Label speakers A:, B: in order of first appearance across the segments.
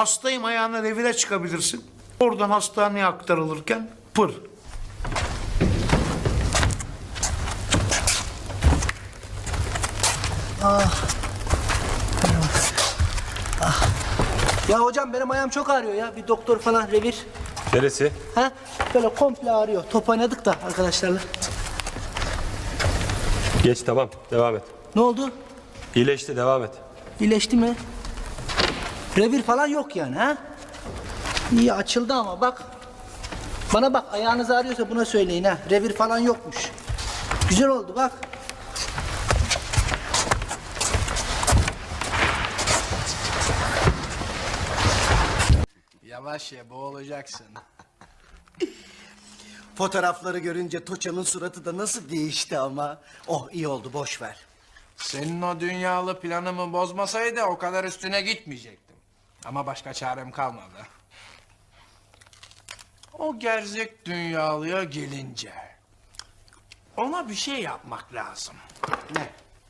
A: Hastayım ayağına revire çıkabilirsin. Oradan hastaneye aktarılırken pır.
B: Ya hocam benim ayağım çok ağrıyor ya. Bir doktor falan revir.
C: Neresi?
B: Ha? Böyle komple ağrıyor. Top oynadık da arkadaşlarla.
C: Geç, tamam, devam et.
B: Ne oldu?
C: İyileşti, devam et.
B: İyileşti mi? Revir falan yok yani ha? İyi açıldı ama bak. Bana bak, ayağınız ağrıyorsa buna söyleyin ha. Revir falan yokmuş. Güzel oldu bak.
D: Yavaş ye, boğulacaksın.
E: Fotoğrafları görünce Toça'nın suratı da nasıl değişti ama. Oh iyi oldu, boş ver.
D: Senin o dünyalı planımı bozmasaydı o kadar üstüne gitmeyecektim. Ama başka çarem kalmadı. O gerzek dünyalıya gelince... ona bir şey yapmak lazım.
E: Ne?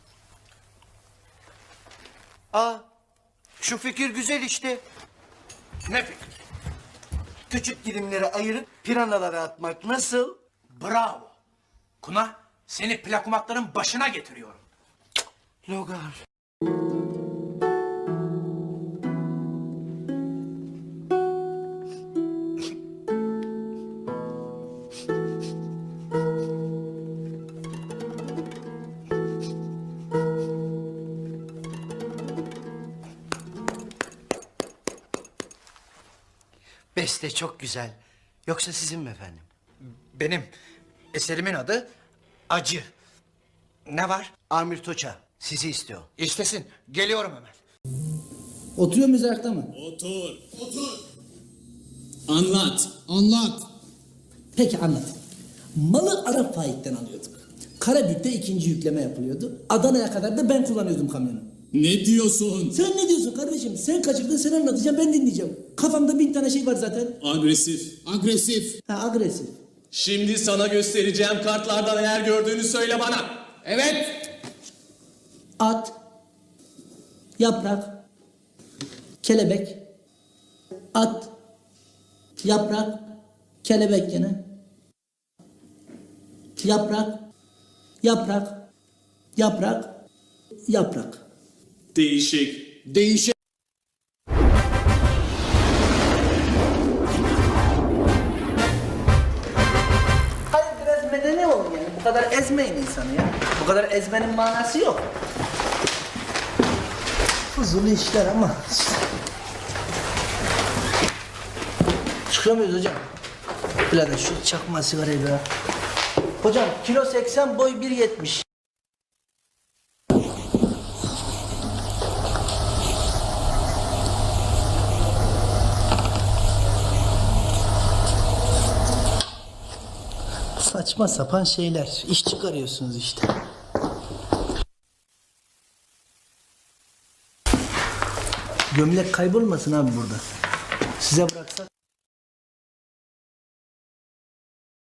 E: Aa, şu fikir güzel işte.
D: Ne fikir?
E: Küçük dilimlere ayırıp piranalara atmak nasıl?
D: Bravo. Kuna, seni plakumatların başına getiriyorum.
E: Logar. Beste çok güzel. Yoksa sizin mi efendim?
F: Benim eserimin adı Acı. Ne var?
E: Amir Toça sizi istiyor.
F: İstesin. Geliyorum hemen.
B: Oturuyor muyuz ayakta mı?
G: Otur. Anlat. Anlat.
B: Peki anlat. Malı Arap Faik'ten alıyorduk. Karabük'te ikinci yükleme yapılıyordu. Adana'ya kadar da ben kullanıyordum kamyonu.
G: Ne diyorsun?
B: Sen ne diyorsun kardeşim? Sen kaçırdın, sen anlatacaksın, ben dinleyeceğim. Kafamda 1000 tane şey var zaten.
G: Agresif. Agresif.
B: Ha, agresif.
G: Şimdi sana göstereceğim kartlardan eğer gördüğünü söyle bana. Evet.
B: At, yaprak, kelebek, at, yaprak, kelebek gene. Yaprak, yaprak, yaprak, yaprak.
G: Değişik. Değişik.
B: Hayır, biraz medeni olun yani. Bu kadar ezmeyin insanı ya. Bu kadar ezmenin manası yok. Fuzuli işler ama işte. Çıkıyor muyuz hocam? Birader şu çakma sigarayı be. Hocam kilo 80, boy 1.70. Saçma sapan şeyler. İş çıkarıyorsunuz işte. Gömlek kaybolmasın abi burada. Size bıraksak.